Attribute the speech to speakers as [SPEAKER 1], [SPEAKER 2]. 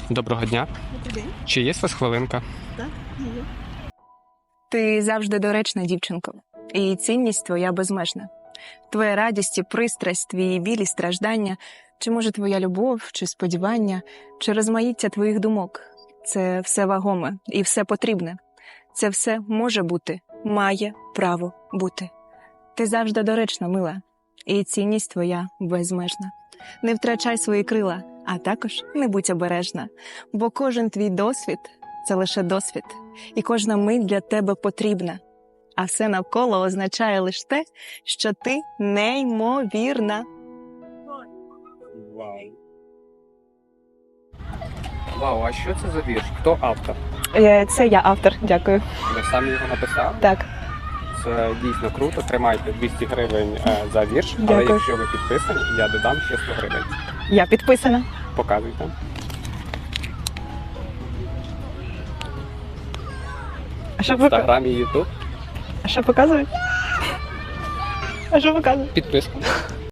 [SPEAKER 1] Доброго дня.
[SPEAKER 2] Добрий день.
[SPEAKER 1] Чи є у вас хвилинка?
[SPEAKER 2] Так, є.
[SPEAKER 3] Ти завжди доречна, дівчинко, і цінність твоя безмежна. Твоя радість і пристрасть, твій біль і страждання, чи може твоя любов, чи сподівання, чи розмаїття твоїх думок – це все вагоме і все потрібне. Це все може бути, має право бути. Ти завжди доречна, мила, і цінність твоя безмежна. Не втрачай свої крила, а також не будь обережна, бо кожен твій досвід – це лише досвід, і кожна мить для тебе потрібна. А все навколо означає лише те, що ти неймовірна.
[SPEAKER 1] Вау. Вау, а що це за вірш? Хто автор?
[SPEAKER 3] Це я автор, дякую.
[SPEAKER 1] Ви самі його написали?
[SPEAKER 3] Так,
[SPEAKER 1] Це дійсно круто. Тримайте 200 гривень за вірш, але
[SPEAKER 3] Дякую.
[SPEAKER 1] якщо ви підписані, я додам ще 100 гривень.
[SPEAKER 3] я підписана.
[SPEAKER 1] Показуйте.
[SPEAKER 3] А що,
[SPEAKER 1] В Інстаграмі, Ютуб.
[SPEAKER 3] показують? А що показують?
[SPEAKER 1] Підписка.